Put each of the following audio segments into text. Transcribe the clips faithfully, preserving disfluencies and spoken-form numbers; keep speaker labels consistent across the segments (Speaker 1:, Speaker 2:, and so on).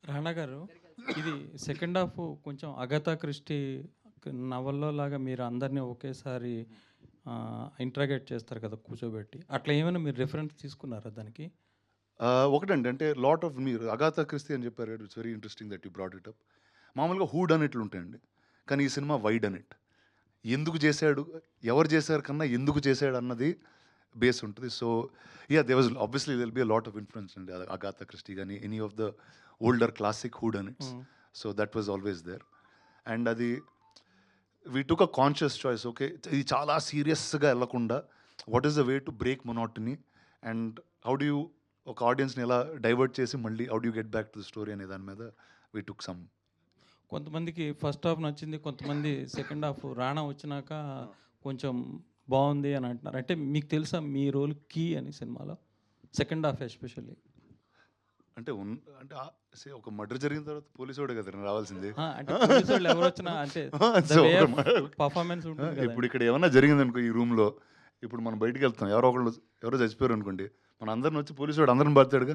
Speaker 1: రాణా గారు, ఇది second half కొంచెం అగతా క్రిస్టీ నవల్లో లాగా మీరు అందరినీ ఒకేసారి ఇంట్రాగేట్ చేస్తారు కదా కూర్చోబెట్టి. అట్లా ఏమైనా మీరు రిఫరెన్స్ తీసుకున్నారా దానికి?
Speaker 2: ఆహ్, ఒకటండి అంటే లాట్ ఆఫ్ మీరు 'అగాథా క్రిస్టీ' అని చెప్పారు. It's very interesting that you brought it up. మామూలుగా హూ డన్ ఇట్లు ఉంటాయండి. కానీ ఈ సినిమా వై డన్ ఇట్. ఎందుకు చేశాడు, ఎవరు చేశారు కన్నా ఎందుకు చేశాడు అన్నది బేస్ ఉంటుంది. So yeah! There was obviously there will be a lot of influence అండి. 'అగాథా క్రిస్టీ' గాని, any of the older classic whodunits.
Speaker 1: Hmm.
Speaker 2: So that was always there. And అది we took a conscious choice. Okay, ఇది చాలా సీరియస్‌గా ఎళ్ళకుండా what is the way to break monotony and how do you ఒక ఆడియన్స్‌ని ఎలా divert చేసి మళ్ళీ how do you get back to the story అనే దాని మీద వి టుక్ సమ్.
Speaker 1: కొంతమందికి ఫస్ట్ హాఫ్ నచ్చింది, కొంతమంది సెకండ్ హాఫ్ రాణా వచ్చినాక కొంచెం బాగుంది అని అంటున్నారు. అంటే మీకు తెలుసా మీ రోల్ కీ అని సినిమాలో సెకండ్ హాఫ్ ఎస్పెషల్లీ?
Speaker 2: అంటే ఉన్ అంటే ఆహ్, సే ఒక మర్డర్ జరిగిన తర్వాత పోలీసోడే కదండీ రావాల్సింది.
Speaker 1: అంటే పోలీసు వాళ్ళు ఎవరు వచ్చినా అంటే
Speaker 2: సో
Speaker 1: పర్ఫార్మెన్స్ ఉంటుంది కదా.
Speaker 2: ఇప్పుడు ఇక్కడ ఏమన్నా జరిగిందనుకో ఈ రూమ్‌లో, ఇప్పుడు మనం బయటికెళ్తాం. ఎవరో ఒకళ్ళు ఎవరో చచ్చిపోయారు అనుకోండి. మన అందరిని వచ్చి పోలీసోడు అందరిని బాదుతాడుగా.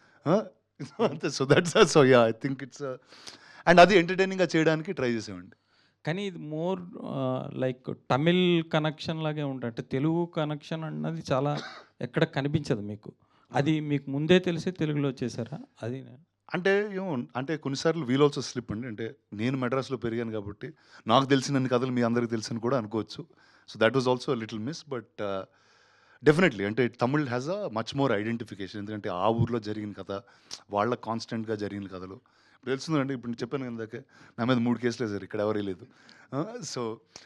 Speaker 2: అంతే. So that's so yeah! I think it's and అది ఎంటర్‌టైనింగ్‌గా చేయడానికి ట్రై చేసామండి.
Speaker 1: కానీ ఇది మోర్ లైక్ తమిళ్ కనెక్షన్ లాగే ఉంటుంది. అంటే తెలుగు కనెక్షన్ అన్నది చాలా ఎక్కడ కనిపించదు మీకు. అది మీకు ముందే తెలిసి తెలుగులో చేశారా? అది
Speaker 2: అంటే ఏమో అంటే కొన్నిసార్లు వీల్ ఆల్సో స్లిప్ అండి. అంటే నేను మెడ్రాస్‌లో పెరిగాను కాబట్టి నాకు తెలిసినన్ని కథలు మీ అందరికి తెలుసని కూడా అనుకోవచ్చు. So that was also little miss. But definitely అంటే Tamil has a much more identification. ఎందుకంటే ఆ ఊర్లో జరిగిన కథ, వాళ్ళ కాన్స్టెంట్‌గా జరిగిన కథలు ఇప్పుడు తెలుస్తుందండి. ఇప్పుడు నేను చెప్పాను ఇందాకే నా మీద మూడు కేసులు వేశారు. ఇక్కడ ఎవరే లేదు. So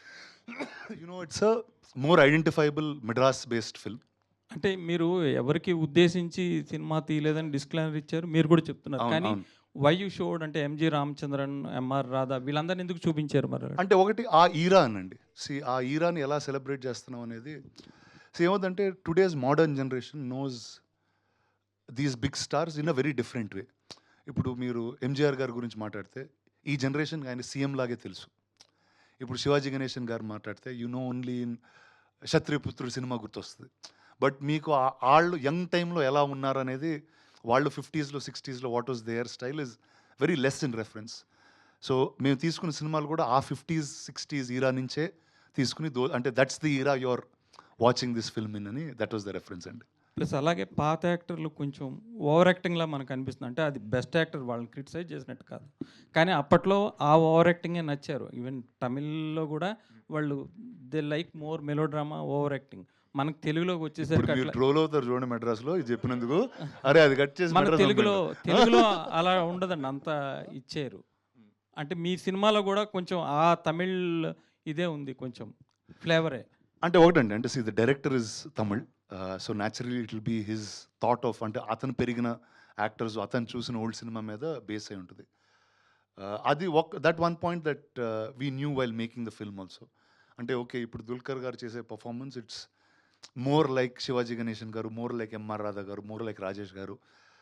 Speaker 2: you know it's a more identifiable Madras based film.
Speaker 1: అంటే మీరు ఎవరికి ఉద్దేశించి సినిమా తీయలేదని డిస్క్లైమర్ ఇచ్చారు. మీరు కూడా చెప్తున్నారు.
Speaker 2: అవును.
Speaker 1: కానీ
Speaker 2: అవును.
Speaker 1: వై యూ షోడ్ అంటే ఎంజి రామచంద్రన్, ఎంఆర్ రాధా వీళ్ళందరిని ఎందుకు చూపించారు మరి?
Speaker 2: అంటే ఒకటి ఆ ఈరా అనండి. సీ ఆ ఈరాని ఎలా సెలబ్రేట్ చేస్తున్నాం అనేది. సో ఏమవుతుందంటే today's modern generation knows these big stars in a very different way. ఇప్పుడు మీరు ఎంజీఆర్ గారి గురించి మాట్లాడితే ఈ జనరేషన్‌కి ఆయన సీఎం లాగే తెలుసు. ఇప్పుడు శివాజీ గణేషన్ గారు మాట్లాడితే you know only in 'Kshatriyaputrudu' cinema గుర్తొస్తది. బట్ మీకు ఆ- ఆళ్ళు యంగ్ టైంలో ఎలా ఉన్నారనేది వాళ్ళు ఫిఫ్టీస్‌లో సిక్స్టీస్‌లో what was their style is very less in reference. So మేము తీసుకున్న సినిమాలు కూడా ఆ ఫిఫ్టీస్ సిక్స్టీస్ ఈరా నుంచే తీసుకుని దో అంటే that's the era you are watching this film in అని దట్ వాస్ ద రెఫరెన్స్ అండి.
Speaker 1: ప్లస్ అలాగే పాత యాక్టర్లు కొంచెం ఓవర్ యాక్టింగ్‌లా మనకు అనిపిస్తుంది. అంటే అది బెస్ట్ యాక్టర్ వాళ్ళని క్రిటిసైజ్ చేసినట్టు కాదు. కానీ అప్పట్లో ఆ ఓవర్ యాక్టింగే నచ్చారు. ఈవెన్ తమిళ్‌లో కూడా వాళ్ళు they like more melodrama, over acting. మనకు తెలుగులోకి
Speaker 2: ఇప్పుడు
Speaker 1: వచ్చేసరికి
Speaker 2: మీరు
Speaker 1: అట్లా
Speaker 2: ట్రోల్ అవుతారు చూడండి మెడ్రాస్‌లో ఇది చెప్పినందుకు. అరే అది కట్ చేసి
Speaker 1: మన
Speaker 2: మెడ్రాస్
Speaker 1: తెలుగులో
Speaker 2: పంపండి.
Speaker 1: తెలుగులో అలా ఉండదండి. అంత ఇచ్చారు. అంటే మీ సినిమాలో కూడా కొంచెం ఆ తమిళ్ ఇదే ఉంది, కొంచెం ఫ్లేవరే.
Speaker 2: అంటే ఒకటండి అంటే see the director is Tamil. So naturally it will be his thought of అంటే అతను పెరిగిన యాక్టర్స్ అతను చూసిన ఓల్డ్ సినిమా మీద బేస్ అయి ఉంటుంది. అది ఒక that one point that we knew while making the film also. అంటే ఓకే ఇప్పుడు దుల్కర్ గారు చేసే performance it's more like Sivaji Ganesan గారు, మోర్ లైక్ ఎంఆర్ రాధా గారు, మోర్ లైక్ రాజేష్ గారు,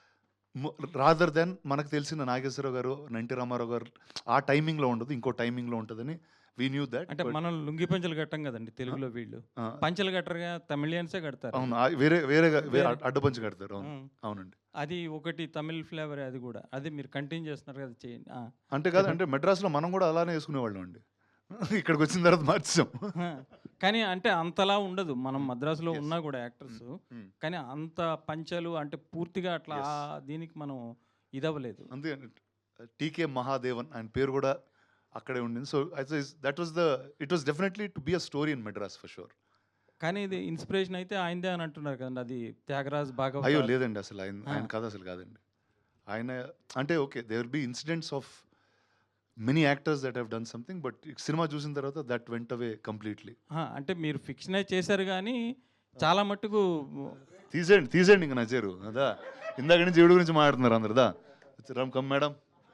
Speaker 2: రాదర్ దెన్ మనకు తెలిసిన నాగేశ్వరరావు గారు, ఎన్టీ రామారావు గారు ఆ టైమింగ్లో ఉండదు, ఇంకో టైమింగ్లో ఉంటుందని వీ న్యూ దట్.
Speaker 1: అంటే మనం లుంగి పంచలు కట్టం కదండి తెలుగులో. వీళ్ళు పంచలు కట్టరుగా, తమిళియన్సే కడతారు.
Speaker 2: అవును. ఆ వేరే వేరేగా వేరే
Speaker 1: వేరే-
Speaker 2: అడ్డపంచి కడతారు. అవును.
Speaker 1: ఉమ్.
Speaker 2: అవునండి.
Speaker 1: అది ఒకటి తమిళ్ ఫ్లేవరే అది కూడా. అది మీరు కంటిన్యూ చేస్తున్నారు కదా, చేయండి. ఆ.
Speaker 2: అంటే కాదు అంటే మెడ్రాస్‌లో మనం కూడా అలానే వేసుకునేవాళ్ళం అండి. ఇక్కడికి వచ్చిన తర్వాత మార్చేసాం.
Speaker 1: ఆ. కానీ అంటే అంతలా ఉండదు. మనం మద్రాసులో
Speaker 2: Yes.
Speaker 1: ఉన్నా కూడా యాక్టర్స్,
Speaker 2: Hmm.
Speaker 1: కానీ అంత పంచలు అంటే పూర్తిగా అట్లా
Speaker 2: Yes.
Speaker 1: ఆ దీనికి మనం ఇదవ్వలేదు.
Speaker 2: అంతే టీకే మహాదేవన్ ఆయన పేరు కూడా అక్కడే ఉండింది. So that was the it was definitely to be a story in Madras for sure.
Speaker 1: కానీ ఇది ఇన్స్పిరేషన్ అయితే ఆయనదే అని అంటున్నారు కదండి. అది త్యాగరాజ్
Speaker 2: అయ్యో
Speaker 1: భాగవత.
Speaker 2: లేదండి అసలు ఆయన
Speaker 1: ఆ.
Speaker 2: ఆయన కథ అసలు కాదండి. ఆయన అంటే okay they will be incidents of many actors that have done something but cinema చూసిన తర్వాత దట్ వెంట్ అవే కంప్లీట్లీ.
Speaker 1: ఆ, అంటే మీరు ఫిక్షనే చేశారు కానీ చాలా మట్టుకు
Speaker 2: తీసేయండి తీసేయండి ఇంకా నచ్చారు అదా ఇందాక నుంచి ఈవిడ గురించి మాట్లాడుతున్నారు అందరుదా రామ్ కమ్ మేడం.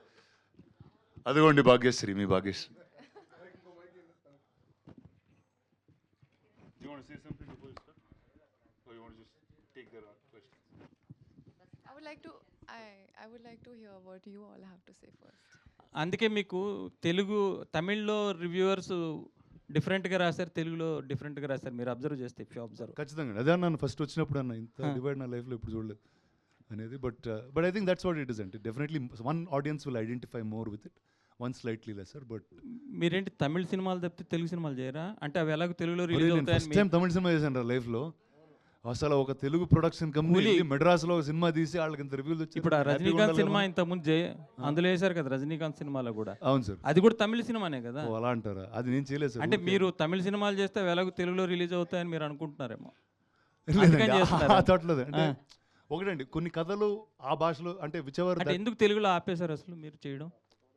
Speaker 2: అదిగోండి భాగ్యశ్రీ మీ Bhagyashree.
Speaker 3: I would like to I I would like to hear what you all have to say first.
Speaker 1: అందుకే మీకు తెలుగు తమిళ్లో రివ్యూవర్స్ డిఫరెంట్గా రాశారు, తెలుగులో డిఫరెంట్గా రాశారు. మీరు అబ్జర్వ్ చేస్తే ఇఫ్ యూ అబ్జర్వ్.
Speaker 2: ఖచ్చితంగా అదే అన్నాను ఫస్ట్ వచ్చినప్పుడు అన్న ఇంత
Speaker 1: Huh.
Speaker 2: డివైడ్ నా లైఫ్లో ఇప్పుడు చూడలేదు. అనేది. But but I think that's what it is అంటే definitely one audience will identify more with it, one slightly lesser. But
Speaker 1: మీరేంటి తమిళ సినిమాలు తప్పితే తెలుగు సినిమాలు చేయరా? అంటే అవి ఎలాగో తెలుగులో రిలీజ్
Speaker 2: నేను
Speaker 1: అవుతాయని
Speaker 2: ఫస్ట్ టైం తమిళ సినిమా చేశాను రా లైఫ్లో. అసలు ఒక తెలుగు ప్రొడక్షన్ కంపెనీ
Speaker 1: కూలీ.
Speaker 2: మెడ్రాస్లో ఒక సినిమా తీసి వాళ్ళకి ఇంత రివ్యూలు వచ్చి
Speaker 1: ఇప్పుడు ఆ రజనీకాంత్ సినిమా ఇంతకుముందు జే అందులో వేశారు కదా రజనీకాంత్ సినిమాలో కూడా,
Speaker 2: అవును సార్.
Speaker 1: అది కూడా తమిళ సినిమానే కదా.
Speaker 2: ఓ అలా అంటారా? అది నేను చేయలేదు సార్.
Speaker 1: అంటే మీరు తమిళ సినిమాలు చేస్తే అవి ఎలాగో తెలుగులో రిలీజ్ అవుతాయని మీరు అనుకుంటున్నారేమో. అందుకని
Speaker 2: లేదండి,
Speaker 1: చేస్తున్నారా?
Speaker 2: ఆ thought లేదు. అంటే
Speaker 1: ఆ.
Speaker 2: ఒకటండి కొన్ని కథలు ఆ భాషలో అంటే విచవర్
Speaker 1: అంటే ఎందుకు తెలుగులో ఆపేశారు అసలు మీరు చేయడం?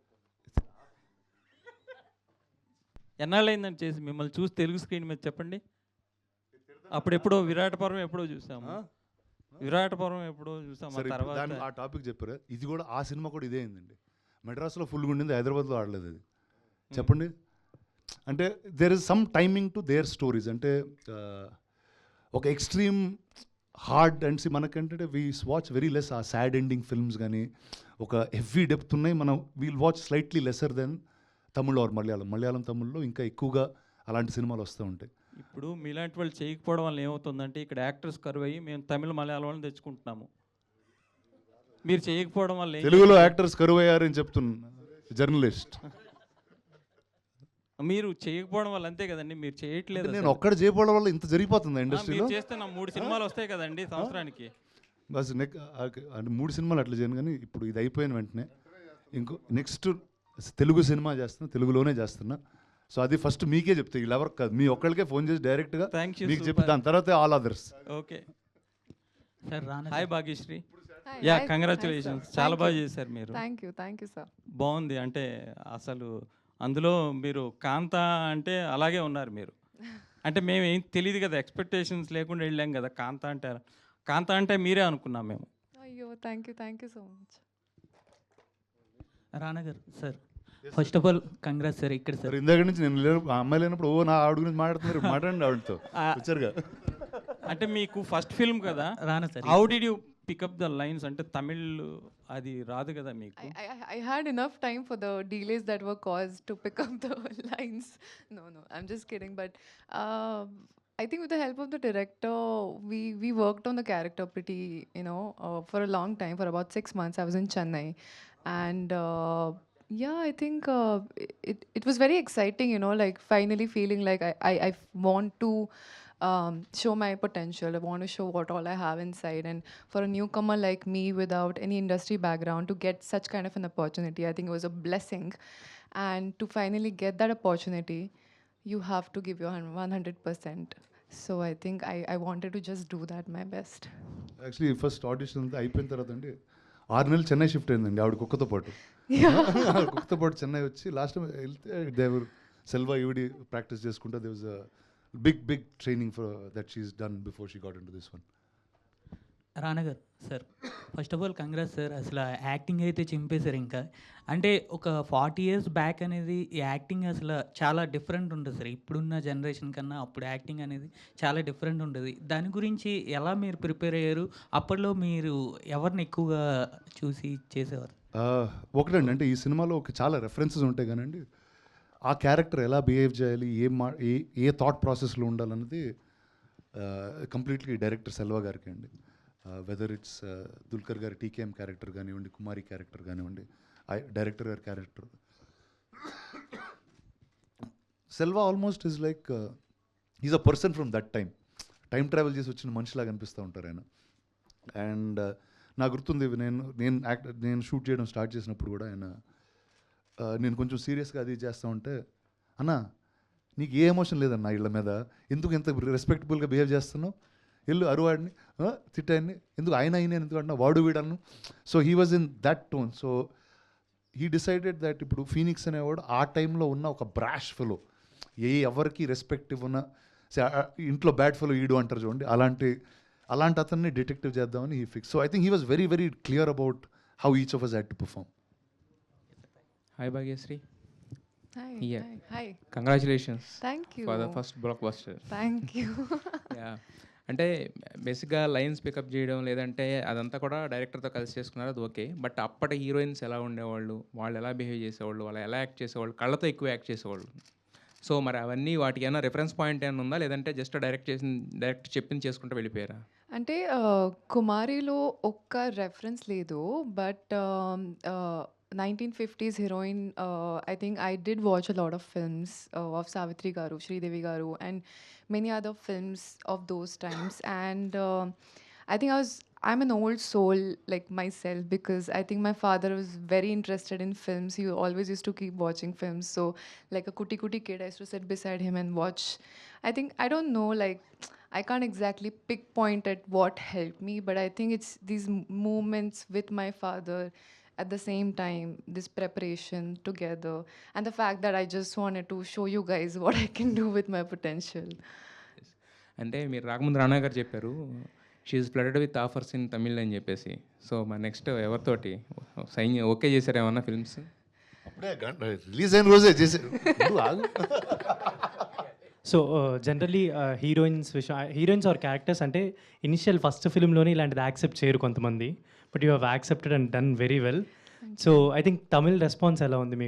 Speaker 1: ఎన్నాళ్ళు అయిందని చేసి మిమ్మల్ని చూసి తెలుగు స్క్రీన్ మీద చెప్పండి. అప్పుడెప్పుడో విరాట పర్వం ఎప్పుడో చూసాము, విరాట పర్వం ఎప్పుడో చూసాము. ఆ
Speaker 2: సరే ఇప్పుడు దాని
Speaker 1: తర్వాత
Speaker 2: ఆ టాపిక్ చెప్పారు. ఇది కూడా ఆ సినిమా కూడా ఇదే అయిందండి. మెడ్రాస్లో ఫుల్గా ఉండింది, హైదరాబాద్లో ఆడలేదు అది. చెప్పండి. అంటే there is some timing to their stories. అంటే ఆ, ఒక ఎక్స్ట్రీమ్ హార్డ్ అండ్ సి మనకంటే we watch very less uh sad ending films కానీ ఒక హెవీ డెప్త్ ఉన్నాయి. మనం we'll watch slightly lesser then Tamil or Malayalam. Malayalam తమిళ్లో ఇంకా ఎక్కువగా అలాంటి సినిమాలు వస్తూ ఉంటాయి.
Speaker 1: ఇప్పుడు మీలాంటి వాళ్ళు చేయకపోవడం వల్ల ఏమవుతుందంటే ఇక్కడ యాక్టర్స్ కరువు అయ్యి మేము తమిళ మలయాళం వాళ్ళని తెచ్చుకుంటున్నాము. మీరు చేయకపోవడం వల్ల ఏం
Speaker 2: తెలుగులో యాక్టర్స్ కరువు అయ్యారని చెప్తున్నా జర్నలిస్ట్.
Speaker 1: మీరు చేయకపోవడం వల్ల అంతే కదండి, మీరు చేయట్లేదు.
Speaker 2: నేను ఒక్కడ చేయకపోవడం వల్ల ఇంత జరిగిపోతుంది
Speaker 1: అసలు. ఆ,
Speaker 2: ఇండస్ట్రీలో.
Speaker 1: మీరు చేస్తే నా మూడు సినిమాలు వస్తాయి కదండి సంవత్సరానికి.
Speaker 2: బస్ నెక్ అంటే మూడు సినిమాలు అట్లా చేయను, కానీ ఇప్పుడు ఇది అయిపోయిన వెంటనే ఇంకో నెక్స్ట్ తెలుగు సినిమా చేస్తున్నా, తెలుగులోనే చేస్తున్నా. సో అది ఫస్ట్ మీకే చెప్తే, వీళ్ళు ఎవరికి కాదు, మీ ఒక్కరికే ఫోన్ చేసి డైరెక్ట్గా
Speaker 1: థ్యాంక్ యూ.
Speaker 2: మీకు చెప్పి దాని తర్వాత all others.
Speaker 1: Okay.
Speaker 4: Sir Rana
Speaker 1: hi Bhagyashri.
Speaker 3: Hi,
Speaker 1: yeah
Speaker 3: hi,
Speaker 1: congratulations,
Speaker 3: hi, sir.
Speaker 1: చాలా
Speaker 3: Thank
Speaker 1: బాగా
Speaker 3: you.
Speaker 1: చేశారు మీరు.
Speaker 3: Thank you, thank you, sir.
Speaker 1: బాగుంది. అంటే అసలు అందులో మీరు కాంత అంటే అలాగే ఉన్నారు మీరు. అంటే మేము ఏం తెలియదు కదా, ఎక్స్పెక్టేషన్స్ లేకుండా వెళ్ళాం కదా. కాంత అంటే కాంత అంటే మీరే అనుకున్నాం మేము.
Speaker 3: Ayyo, thank you, thank you so much.
Speaker 4: Rana గారు sir, first of all congrats sir. ఇక్కడ
Speaker 2: సార్
Speaker 4: సార్
Speaker 2: ఇందాక నుంచి నేను లేను, ఆ అమ్మాయి లేనప్పుడు ఓ నా ఆవిడ గురించి మాట్లాడుతున్నారు, మాట్లాడండి ఆవిడతో వచ్చారుగా.
Speaker 1: అంటే మీకు ఫస్ట్ ఫిల్మ్ కదా,
Speaker 4: Rana sir.
Speaker 1: How did you pick up the lines? అంటే తమిళ్ అది రాదు కదా మీకు.
Speaker 3: I, I, I had enough time for the delays that were caused to pick up the lines. No, no, I'm just kidding. But uh, I think with the help of the director, we, we worked on the character pretty, you know, uh, for a long time. For about six months, I was in Chennai. And uh, yeah, I think uh, it, it was very exciting, you know, like finally feeling like I, I, I want to um, show my potential. I want to show what all I have inside. And for a newcomer like me without any industry background to get such kind of an opportunity, I think it was a blessing. And to finally get that opportunity, you have to give your one hundred percent. So I think I, I wanted to just do that my best.
Speaker 2: Actually first audition అంతా అయిపోయిన తర్వాత అండి ఆరు నెలలు Chennai shift అయిందండి ఆవిడ కుక్కతో పాటు. ఆవిడ కుక్కతో పాటు చెన్నై వచ్చి లాస్ట్ టైం వెళ్తే దేవర్ సెల్వా ఈవిడి ప్రాక్టీస్ చేసుకుంటే they was a big big training for that she's done before she got into this one.
Speaker 4: Rana గారు sir, first of all congrats sir. అసలు యాక్టింగ్ అయితే చింపేశారు. ఇంకా అంటే ఒక ఫార్టీ ఇయర్స్ బ్యాక్ అనేది ఈ యాక్టింగ్ అసలు చాలా డిఫరెంట్ ఉంటుంది సార్. ఇప్పుడున్న జనరేషన్ కన్నా అప్పుడు యాక్టింగ్ అనేది చాలా డిఫరెంట్ ఉంటుంది. దాని గురించి ఎలా మీరు ప్రిపేర్ అయ్యారు? అప్పట్లో మీరు ఎవరిని ఎక్కువగా చూసి చేసేవారు?
Speaker 2: ఒకటండి, అంటే ఈ సినిమాలో ఒక చాలా రెఫరెన్సెస్ ఉంటాయి కానండి, ఆ క్యారెక్టర్ ఎలా బిహేవ్ చేయాలి, ఏ మా ఏ ఏ థాట్ ప్రాసెస్లో ఉండాలన్నది కంప్లీట్లీ డైరెక్టర్ సెల్వా గారికి అండి. వెదర్ ఇట్స్ దుల్కర్ గారి టీకేఎం క్యారెక్టర్ కానివ్వండి, కుమారి క్యారెక్టర్ కానివ్వండి, డైరెక్టర్ గారి character. Selva almost is like is a person from that time. Time travel చేసి వచ్చిన మనిషిలాగా అనిపిస్తూ ఉంటారు ఆయన. అండ్ నాకు గుర్తుంది, నేను నేను యాక్ట్ నేను షూట్ చేయడం స్టార్ట్ చేసినప్పుడు కూడా ఆయన నేను కొంచెం సీరియస్గా అది చేస్తూ ఉంటే, అన్న నీకు ఏ ఎమోషన్ లేదన్న ఇళ్ళ మీద, ఎందుకు ఎంత రెస్పెక్టబుల్గా బిహేవ్ చేస్తున్నావు, ఎల్లు అరువాడిని తిట్టాడిని ఎందుకు ఆయన అయిన ఎందుకు అంటున్నా, వాడు వీడను. So he was in that tone. So he decided that ఇప్పుడు ఫీనిక్స్ అనేవాడు ఆ టైంలో ఉన్న ఒక బ్రాష్ ఫెలో, ఏ ఎవరికి రెస్పెక్ట్ ఇవ్వన ఇంట్లో బ్యాడ్ ఫెలో ఈడు అంటారు చూడండి, అలాంటి అలాంటి అతన్ని డిటెక్టివ్ చేద్దామని he fix. So I think he was very very clear about how each of us had to perform.
Speaker 5: Hi Bhagyasri.
Speaker 3: Hi.
Speaker 5: Yeah.
Speaker 3: Hi. Hi.
Speaker 5: Congratulations
Speaker 3: Thank you.
Speaker 5: for the first blockbuster.
Speaker 3: Thank you.
Speaker 5: Yeah. అంటే బేసిక్గా lines pickup చేయడం లేదంటే అదంతా కూడా డైరెక్టర్తో కలిసి చేసుకున్నారు, అది okay. But అప్పటి హీరోయిన్స్ ఎలా ఉండేవాళ్ళు, వాళ్ళు ఎలా బిహేవ్ చేసేవాళ్ళు, వాళ్ళు ఎలా యాక్ట్ చేసేవాళ్ళు, కళ్ళతో ఎక్కువ యాక్ట్ చేసేవాళ్ళు. సో మరి అవన్నీ వాటికి ఏమైనా రిఫరెన్స్ పాయింట్ ఏమైనా ఉందా, లేదంటే జస్ట్ డైరెక్ట్ చేసిన డైరెక్ట్ చెప్పింది చేసుకుంటూ వెళ్ళిపోయారా?
Speaker 3: అంటే కుమారిలో ఒక్క రెఫరెన్స్ లేదు but nineteen fifties heroine I think I did watch a lot of films of Savitri గారు శ్రీదేవి గారు and many other films of those times and I think I was I'm an old soul like myself because I think my father was very interested in films. He always used to keep watching films. So like a kuti kuti kid, I used to sit beside him and watch. I think I don't know like I can't exactly pinpoint at what helped me, but I think it's these m- moments with my father at the same time, this preparation together, and the fact that I just wanted to show you guys what I can do with my potential.
Speaker 5: అంటే మీరు రాకముందు రానా గారు చెప్పారు she's flooded with offers in Tamil అని చెప్పేసి. So మా next ఎవరితోటి sign okay చేశారు ఏమన్నా ఫిల్మ్స్?
Speaker 2: అప్పుడే రిలీజ్ అయిన రోజే చేశారు. ముందు ఆగు.
Speaker 6: సో జనరలీ హీరోయిన్స్ విషయం హీరోయిన్స్ ఆర్ క్యారెక్టర్స్ అంటే ఇనిషియల్ ఫస్ట్ ఫిల్మ్లోనే ఇలాంటిది యాక్సెప్ట్ చేయరు కొంతమంది, but you have accepted and done very well. So I think Tamil response ఎలా ఉంది మీకు?